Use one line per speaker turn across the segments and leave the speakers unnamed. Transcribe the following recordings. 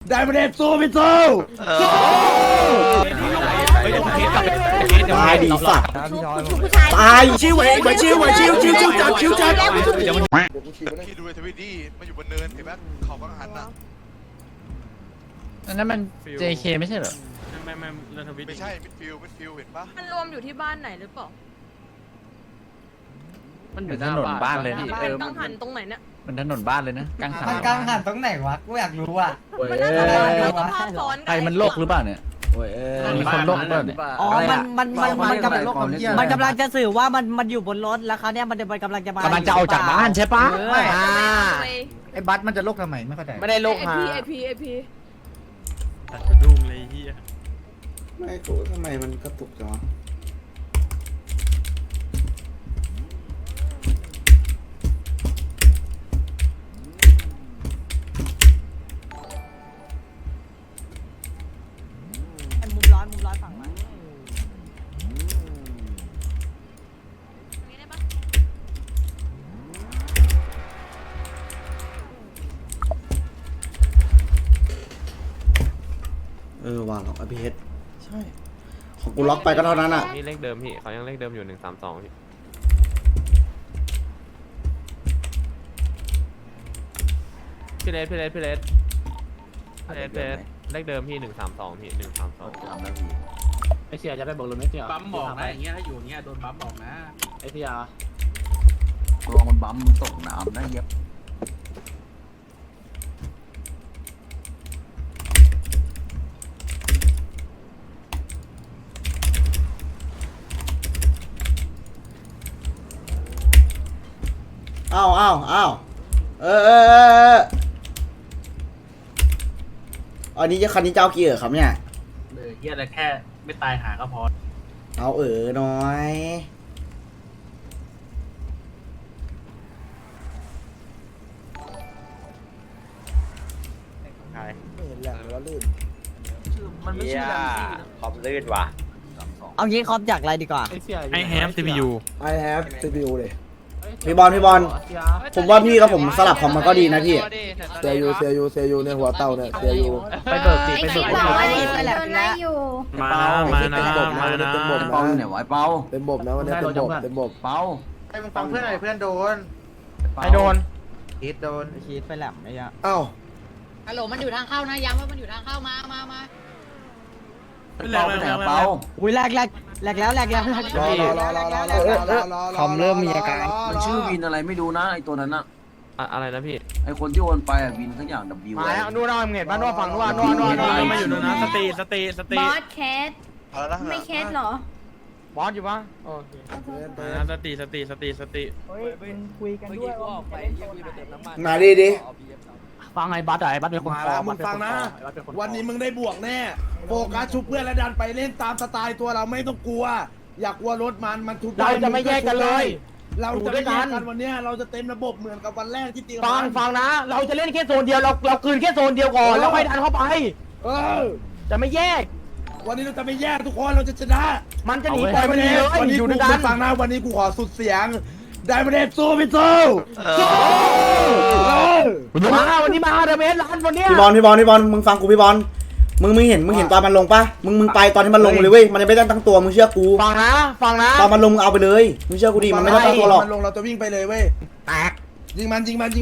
ได้ประเด็นสู้ไม่สู้ตายดีสัตว์ตายชิวเองชิวจัด
พี่ดูในทวิตดิมันอยู่บนเนินเห็นไหมเขากังหันน่ะ
อันนั้นมัน JK ไม่ใช่เหรอ
ไม่ใช่มิดฟิลเห็นปะ
มันรวมอยู่ที่บ้านไหนหรือเปล่า
มันอยู่ถนนบ้านเลยพี่
กังหันตรงไหนเนี่ย
มันถนนบ้านเลยนะกังหัน
มันกลางหันตรงไหนวะกูอยากรู้อ่ะ
มันน่าจะเป็นภาพซ้อน
ใครมันโรคหรือเปล่าเนี่ยมีคนโรคหรือเปล่าเนี่ย
อ๋อมันกำลังจะสื่อว่ามันอยู่บนรถแล้วเขาเนี่ยมันกำลังจะมาก
ำลังจะออกจากบ้านใช่ปะ
ไอ้บัสมันจะโรคทำไมไม่เข้าใจ
ไม่ได้โรค
ไอ
หา
พี
ดุ้งเลยเฮีย
ไม่กูทำไมมันกระตุกจังวะ
มุมร้อนฝั่งมัน
วางของอภิเฮดใช่ของกูล็อกไปก็เท่านั้นอ่ะ
นี่เลขเดิมพี่เขายังเลขเดิมอยู่132พี่เลสเลขเดิมพี่132พี่132
ไอเสียจะไปบอกลุงไม่เสีย
บัมบอกนะอย่างเงี้ยถ้าอยู่อย่างเงี้ยโดนบัมบอกนะ
ไอเสียตัวมันบั๊มมันตกน้ำได้เย็บ
อ้าวอันนี้คันนี้เจ้ากี่ครับเนี่ย
เฮียแต่แค่ไม่ตายหาก็พอ
เอาน้อยไม่เห็นแหละแล้วลื่น
มันไม่ใช่
ขอบลื่นว่ะ
เอางี้คอมจากอะไรดีกว่า
ไอแฮม CPU
I have CPU เลยพี่บอลผมว่าพี่กับผมสลับของมันก็ดีนะพี่เสียยูในหัวเต่าเนี่ยเสียยู
ไปเบิกสิไปเบิก
ไปแล้วนะอยู่
มานะ
เต็มบบนะ
เปาเนี่ยไว้เปา
เต็มบบนะวันนี้เต็มบบ
เปา
ให้มึงฟังเพื่อนหน่อยเพื่อนโดน
ไอโดน
คิดโดนคิดไปแหลมไม่ยะ
อ้าว
ฮัลโหลมันอยู่ทางเข้านะย้ำว่ามันอยู่ทางเข้ามา
เปาไปไหนเปา
อุ้ยแหลกแล้วคอมเริ่มมีอาการ
มันชื่อวินอะไรไม่รู้นะไอตัวนั้นอะ
อะไรนะพี่
ไอคนที่โอนไปอะวินทั้งอย่าง W
มาแล้วนู่นเห็นบ้านนู่นฝั่งนู่นมาอยู่นู่นนะสตี
บอสแคส
เอาแล้วนะ
ไม่แคสหรอบ
อสอยู่ปะโอเคสตี
คุยกันด้วย
มาดิ
ฟังไอ้บัสไอ้บัสเป็นคน
มาแล้วมึงฟังนะวันนี้มึงได้บวกแน่โฟกัสชุบเพื่อนและดันไปเล่นตามสไตล์ตัวเราไม่ต้องกลัว อยากกลัวรถมันทุบ
เราจะไม่แยกกันเลย
เราจะไม่แยกกันวันนี้เราจะเต็มระบบเหมือนกับวันแรกที่ตี
ฟังนะ เราจะเล่นแค่โซนเดียวเราคืนแค่โซนเดียวก่อนแล้วค่อยดันเข้าไป จะไม่แยก
วันนี้เราจะไม่แยกทุกคนเราจะชนะ
มันจะหนีปล่อยมันหนีเลย
วันนี้
อยู่
กู
ด้วยกัน
ฟังนะวันนี้กูขอสุดเสียงได้ประเด็นสู้ไม่สู้
มาวันนี้มาเดเมสร้านวันนี้
พี่บอลมึงฟังกูพี่บอลมึงเห็นตอนมันลงปะมึงไปตอนที่มันลงเลยเว้ยมันไม่ได้ตั้งตัวมึงเชื่อกูฟังนะตอนมันลงเอาไปเลยมึงเชื่อกูดิมันไม่ได้ตั้งตัวหรอกมันลงเราจะวิ่งไปเลยเว้ยแตกยิงมันเยอะๆ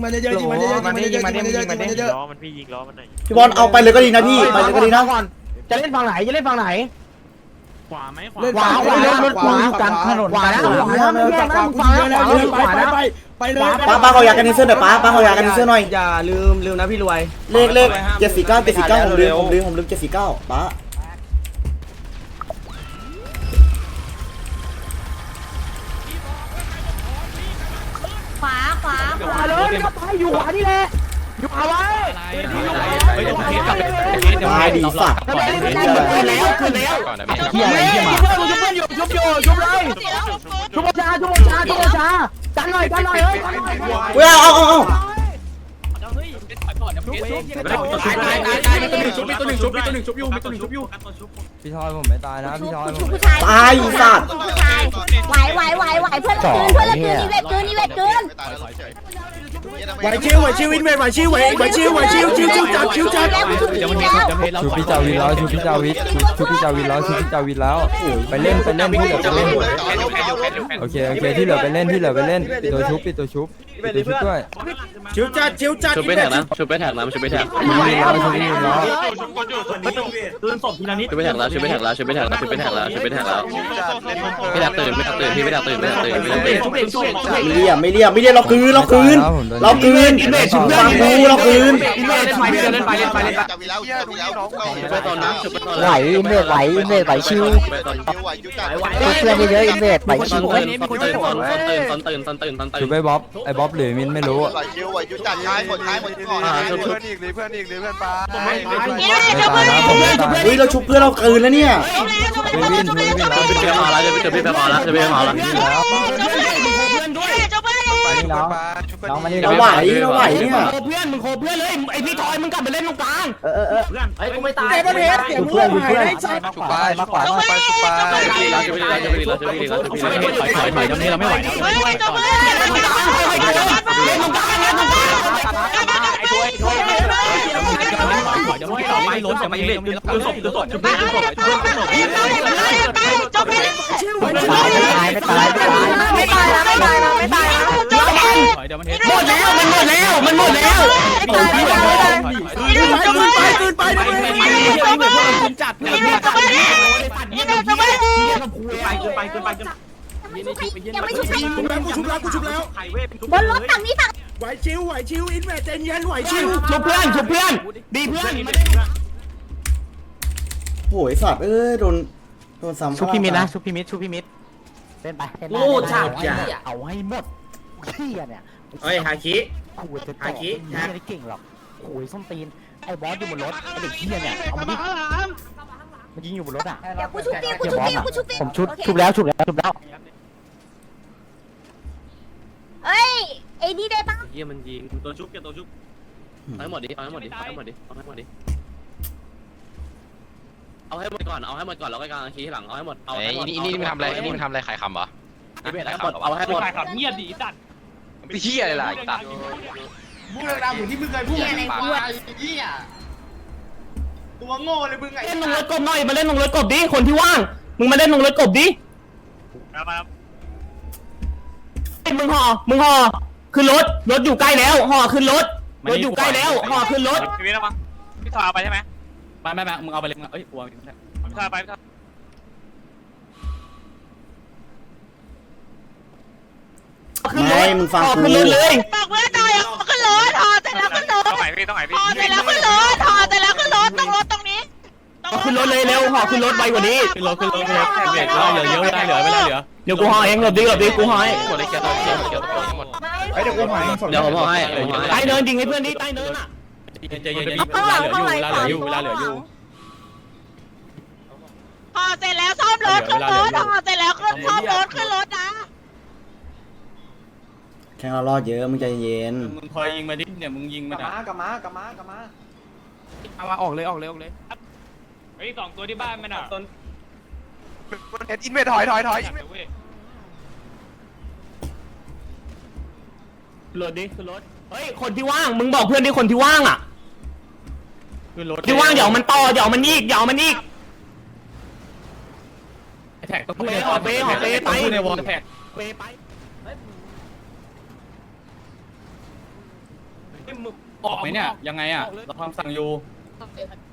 ล้อมันพี่ยิงล้อมันหน่อย
พี่บอลเอาไปเลยก็ดีนะพี่ไปเลยก็ดีนะ
จะเล่นฝั่งไหน
ขวาไหม
เล่น
ขวากลางถนนขวานะไม่แยกนะมึงฟังนะขวานะ
ไปเลยป้าเขาอยากกันนิเซอร์หน่อยป้าเขาอยากกันนิเซอร์หน่อย
อย่าลืมนะพี่รวย
เลข749ผมลืม749ป้า
ขวา
เลยก็ไปอยู่ขวานี่แหละอยู่ขวาไว้
ตายดีสัตว์
ขึ้นแล้วเฮียอะไรเฮียมาชุบเลยชุบชากันหน่อยเฮ้ย
เว้ยเอา
มีตัวหนึ่งชุบอยู่
พี่ทอยผมไม่ตายนะพี่ทอย
ชุบผู้ชาย
ตายสัตว์
ไหวเพื่อนละคืนอีเวทคืน
ไม่ตายแล้วเฉย
ไหวชิวอินเวสไหวชิวจัดชิวจัด
ชูพี่จาวินแล้วชูพี่จาวินชูพี่จาวินแล้วชูพี่จาวินแล้วไปเล่นที่เหลือไปเล่นโอเคที่เหลือไปเล่นปิดตัวชุบด้วย
ชิวจัด
ชุบไปแท็กนะชุบไปแท็กนะชุบไปแท็ก
ตื่นศพทีละนิด
ชุบไปแท็กแล้วชุบไปแท็กแล้วพี่แท็กตื่นพี่ไม่แท็กตื่น
ไม่เรียบเราคืนฟังกูเราคืน
ชุบไปตอนนั้นชุบไปตอน
ไหวอินเวสไหวชิวเพื่อนเยอะอินเวสไหวชิว
ตื่น
ชูไปบ๊อบไอ้บ๊อบหรือมินไม่รู้
เราชุบเพื่อนเราคืนแล้วเนี่ย
วิน
พี่มาแล้วจะพี่มาแล้ว
น้องมานี่
เราไหวเนี่ย
โคเพื่อนเลยไอพี่ทอยมึงกลับไปเล่นตรงกลาง
เพื่อนไอ้กูไม่ตาย
เพื่อนมาขวา
ถอยตรงนี้เราไม่ไหวแล้ว
ไม่ล้นแต่ไม่เล็กตื่นศพชุบชุบ
ไม่ตาย
เดี๋ยวมัน
หมดแล้วคืนไปจัด
ไป
ยังไม่ชุบใคร
ชุบแล้ว
ไข่เว้ย
บนรถฝั่งนี้ฝั่ง
ไหวชิวอินเวสใจเย็นไหวชิว
ชุบเพื่อนดีเพื่อน
โหยสัตว์โดนซ้ำ
ชุบพี่มิดเล่นไปโง่จัดเอาให้หมดเที่ยเนี่ย
เฮ้ยฮาคิ
ขู่จะต่อไม่ได้เก่งหรอกขู่ส้นตีนไอ้บอสอยู่บนรถไอ้เด็กเที่ยเนี่ยเอามาดิมันยิงอยู่บนรถอ่ะ
เดี๋ยวกูชุบฟิว
ผมชุบแล้ว
เอ้ยไอ้นี่ได้ปะ
เยี่ยมันยิง
ตัวชุบตัวชุบ
เอาให้หมดดิเอาให้หมดก่อนเอาให้หมดก่อนแล้วก็กางคีหลังเอาให้หมดเอาให้หมดนี่มันทำอะไรขายคำเหรอเอาให้หมด
ขายขับเงียบดีตัด
พี่เหี้ยอะไรล่ะตัด
พูดอะไรเหมือนที่มึงเคยพูด
อะไรกู
ตัวโง่เลยมึงไง
เล่นลงรถกบหน่อยมาเล่นลงรถกบดิคนที่ว่างมึงมาเล่นลงรถกบดิมึงห่อขึ้นรถอยู่ใกล้แล้วห่อขึ้นรถอยู่ใกล้แล้วห่อขึ้นรถ
พี่วิทย์นะมั้งพี่ถอยไปใช่ไหม
ไม่มึงเอาไปเลยเอ้ยกลัว
พี่ถอยไปพี่ถอย
ไม่มึงฟังกู
ขึ้นรถเลย
บอกเพื่อนหน่อยขึ้นรถเสร็จแล้วขึ้นรถ
ต้องไหนพี่ต้องไหนพี่
เสร็จแล้วขึ้นรถเสร็จแล้วขึ้นรถตรงรถตรงนี้
ขึ้นรถเลยเร็วห่อขึ้นรถไวกว่านี้
ขึ้นรถเหลือเยอะเหลือเวลาเหลือ
เดี๋ยวกูห่อเองหลบดิกูห่อให้
หมดเลยเกี่ยวตัวหมด
เดี๋ยวกูหาย
เดี๋ยวผมให้
ใต้เนินยิงให้เพื่อนดิใต้เนินอ่ะ
ใจเย็นเวลาเหลืออยู่
พอเสร็จแล้วซ่อมรถขึ้นรถพอเสร็จแล้วขึ้นซ่อมรถขึ้นรถนะ
แข่งเรารอดเยอะมึงใจเย็น
มึงคอยยิงมาดิเนี่ยมึงยิงมันกลับมาเอามาออกเลยเฮ้ย2ตัวที่บ้านมันอ่ะ
เอ็ดอินเวสถอย
รถดิขึ้นรถเฮ้ยคนที่ว่างมึงบอกเพื่อนดิคนที่ว่างอ่ะ
ขึ้นรถ
ที่ว่างเดี๋ยวมันต่อเดี๋ยวมันอีก
แท็กต้อง
ไปในวอลแท็กไป
ออกไหมเนี่ยยังไงอ่ะเราทำสั่งอยู่